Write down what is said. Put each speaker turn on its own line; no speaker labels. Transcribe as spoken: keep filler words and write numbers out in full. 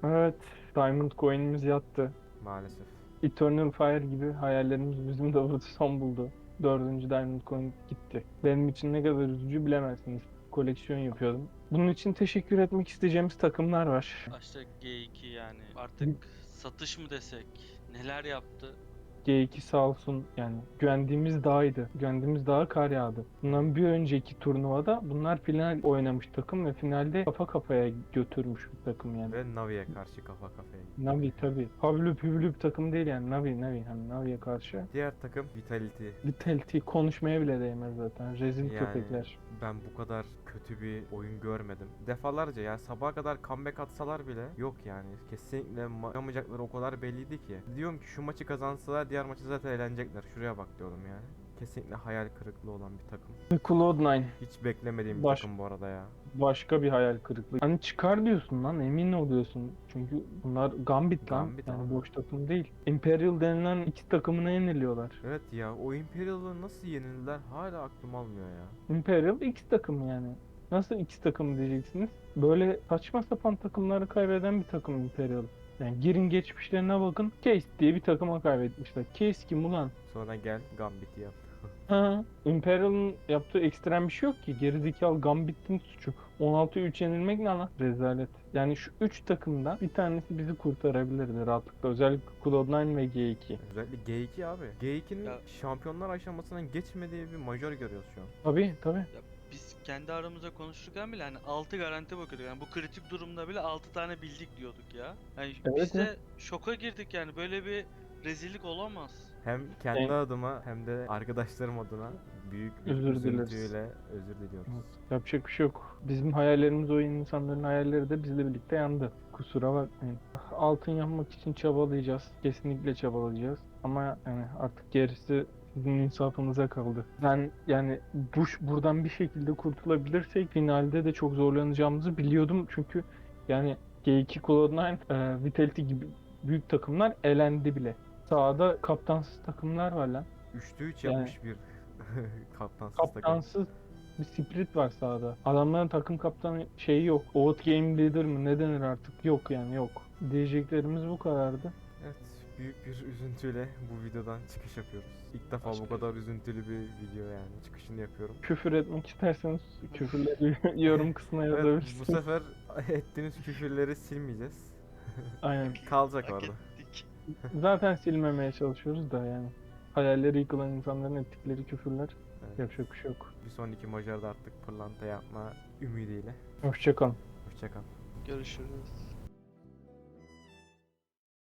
Evet, Diamond Coin'imiz yattı.
Maalesef.
Eternal Fire gibi hayallerimiz bizim de burada son buldu. Dördüncü Diamond Coin gitti. Benim için ne kadar üzücü bilemezsiniz. Koleksiyon yapıyordum. Bunun için teşekkür etmek isteyeceğimiz takımlar var.
Başta G iki yani artık satış mı desek neler yaptı?
G iki sağ olsun, yani güvendiğimiz dağydı. Güvendiğimiz dağa kar yağdı. Bundan bir önceki turnuvada bunlar final oynamış takım ve finalde kafa kafaya götürmüş bir takım yani.
Ve Navi'ye karşı kafa kafaya gitti.
Navi tabii. Havlü püvlü bir takım değil yani. Navi Navi. Hani Navi'ye karşı.
Diğer takım Vitality.
Vitality konuşmaya bile değmez zaten. Rezil
Yani
köpekler.
ben bu kadar kötü bir oyun görmedim. Defalarca ya sabaha kadar comeback atsalar bile yok yani. Kesinlikle ma- yapamayacakları o kadar belliydi ki. Diyorum ki şu maçı kazansalar diğer maçı zaten eğlenecekler. Şuraya bak diyorum yani. Kesinlikle hayal kırıklığı olan bir takım.
Ve Cloud nine.
Hiç beklemediğim bir
Baş,
takım bu arada ya.
başka bir hayal kırıklığı. Hani çıkar diyorsun lan, emin oluyorsun. Çünkü bunlar Gambit lan.
Gambit
Yani
abi.
boş takım değil. Imperial denilen iki takımına yeniliyorlar.
Evet ya, o Imperial'ı nasıl yenildiler hala aklım almıyor ya.
Imperial X takımı yani. Nasıl X takımı diyeceksiniz? Böyle saçma sapan takımları kaybeden bir takım Imperial. Yani girin geçmişlerine bakın. Case diye bir takıma kaybetmişler. Case kim ulan?
Sonra gel Gambit'i yap.
Ha, Imperial'ın yaptığı ekstrem bir şey yok ki. Gerizekalı Gambit'in suçu. on altı üç yenilmek ne lan? Rezalet. Yani şu üç takımdan bir tanesi bizi kurtarabilirdi rahatlıkla. Özellikle Cloud nine ve G iki.
Özellikle G iki abi. G ikinin
Ya,
şampiyonlar aşamasından geçmediği bir major görüyoruz şu an.
Tabii tabii.
ya biz kendi aramızda konuşurken bile hani altı garanti bakıyorduk. Yani bu kritik durumda bile altı tane bildik diyorduk ya. Yani
Evet,
biz
evet.
de şoka girdik yani böyle bir rezillik olamaz.
Hem kendi
Yani,
adıma hem de arkadaşlarım adına büyük bir
özür dileriz.
üzüntüyle özür diliyoruz.
Evet, yapacak bir şey yok. Bizim hayallerimiz, o insanların hayalleri de bizle birlikte yandı. Kusura bakmayın. Altın yapmak için çabalayacağız. Kesinlikle çabalayacağız. Ama yani artık gerisi sizin insafınıza kaldı. Ben yani bu buradan bir şekilde kurtulabilirsek finalde de çok zorlanacağımızı biliyordum. Çünkü yani G iki Cloud nine, e, Vitality gibi büyük takımlar elendi bile. Sahada kaptansız takımlar var lan.
üçte üç
Yani
yapmış bir kaptansız takım.
kaptansız bir spirit var sahada. Adamların takım kaptanı şeyi yok. Oğut Game Leader mı ne denir artık? Yok yani, yok. Diyeceklerimiz bu kadardı.
Evet, büyük bir üzüntüyle bu videodan çıkış yapıyoruz. İlk defa bu
Başka-
kadar üzüntülü bir video yani çıkışını yapıyorum.
Küfür etmek isterseniz küfürleri yorum kısmına
Evet, bu
yazabilirsiniz.
sefer ettiğiniz küfürleri silmeyeceğiz.
Aynen.
Kalacak
Hak
orada.
ettik.
Zaten silmemeye çalışıyoruz da yani. Hayalleri yıkılan insanların ettikleri küfürler.
Evet.
Yapacak bir şey yok.
Bir sonraki majörde artık pırlanta yapma ümidiyle.
Hoşçakalın.
Hoşçakal.
Görüşürüz.